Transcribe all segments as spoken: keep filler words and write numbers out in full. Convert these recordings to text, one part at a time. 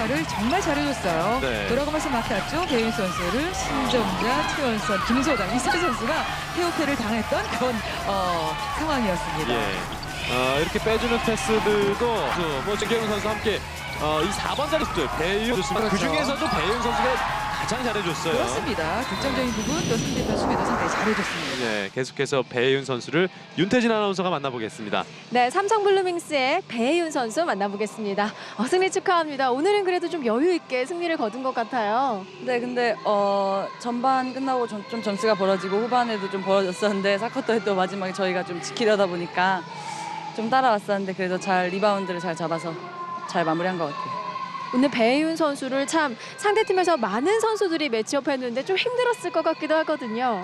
역할을 정말 잘해줬어요. 네. 돌아가면서 맡았죠. 배윤 선수를 신정자, 최원선, 김소담 이 세 선수가 태오패를 당했던 그런 어, 상황이었습니다. 예. 어, 이렇게 빼주는 패스들도 뭐 김경훈 선수와 함께 어, 이 사 번 자리들 배윤 좋습니다. 그렇죠. 그 중에서도 배윤 선수가 가장 잘해줬어요. 그렇습니다. 득점적인 부분 또 상대편 수비도 상당히 잘해줬습니다. 네, 계속해서 배윤 선수를 윤태진 아나운서가 만나보겠습니다. 네, 삼성 블루밍스의 배혜윤 선수 만나보겠습니다. 어, 승리 축하합니다. 오늘은 그래도 좀 여유 있게 승리를 거둔 것 같아요. 네, 근데 어, 전반 끝나고 좀, 좀 점수가 벌어지고 후반에도 좀 벌어졌었는데 사 쿼터에 또 마지막에 저희가 좀 지키려다 보니까 좀 따라왔었는데 그래도 잘 리바운드를 잘 잡아서 잘 마무리한 것 같아요. 오늘 배혜윤 선수를 참 상대팀에서 많은 선수들이 매치업했는데 좀 힘들었을 것 같기도 하거든요.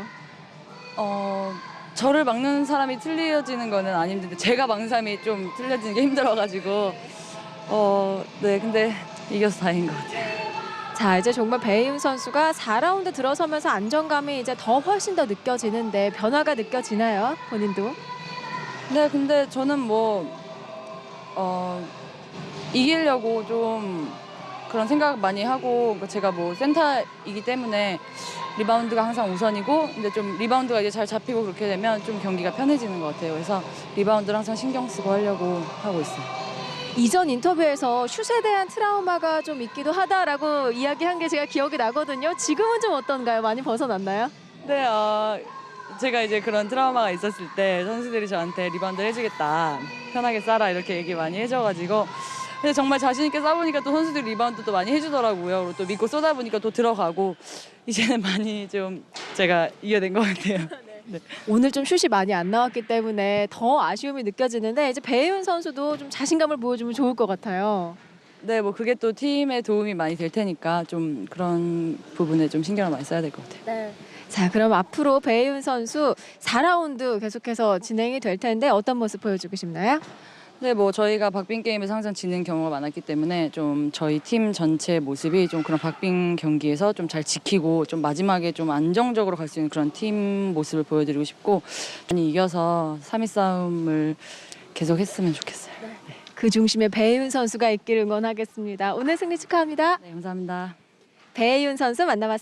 어, 저를 막는 사람이 틀려지는 거는 안 힘든데 제가 막는 사람이 좀 틀려지는 게 힘들어가지고 어, 네, 근데 이겨서 다행인 것 같아요. 자, 이제 정말 배혜윤 선수가 사 라운드 들어서면서 안정감이 이제 더 훨씬 더 느껴지는데 변화가 느껴지나요? 본인도? 네, 근데 저는 뭐 어, 이기려고 좀 그런 생각 많이 하고 제가 뭐 센터이기 때문에 리바운드가 항상 우선이고 근데 좀 리바운드가 이제 잘 잡히고 그렇게 되면 좀 경기가 편해지는 것 같아요. 그래서 리바운드를 항상 신경 쓰고 하려고 하고 있어요. 이전 인터뷰에서 슛에 대한 트라우마가 좀 있기도 하다라고 이야기한 게 제가 기억이 나거든요. 지금은 좀 어떤가요? 많이 벗어났나요? 네, 어, 제가 이제 그런 트라우마가 있었을 때 선수들이 저한테 리바운드를 해주겠다, 편하게 쏴라 이렇게 얘기 많이 해줘가지고 근데 정말 자신 있게 쏴보니까 또 선수들이 리바운드도 많이 해주더라고요. 그리고 또 믿고 쏘다 보니까 또 들어가고 이제는 많이 좀 제가 이겨낸 것 같아요. 네. 오늘 좀 슛이 많이 안 나왔기 때문에 더 아쉬움이 느껴지는데 이제 배혜윤 선수도 좀 자신감을 보여주면 좋을 것 같아요. 네, 뭐 그게 또 팀에 도움이 많이 될 테니까 좀 그런 부분에 좀 신경을 많이 써야 될 것 같아요. 네. 자, 그럼 앞으로 배혜윤 선수 사 라운드 계속해서 진행이 될 텐데 어떤 모습 보여주고 싶나요? 네, 뭐 저희가 박빙 게임에서 항상 지는 경우가 많았기 때문에 좀 저희 팀 전체 모습이 좀 그런 박빙 경기에서 좀 잘 지키고 좀 마지막에 좀 안정적으로 갈 수 있는 그런 팀 모습을 보여드리고 싶고 많이 이겨서 삼 위 싸움을 계속 했으면 좋겠어요. 네, 그 중심에 배혜윤 선수가 있기를 응원하겠습니다. 오늘 승리 축하합니다. 네, 감사합니다. 배혜윤 선수 만나봤습니다.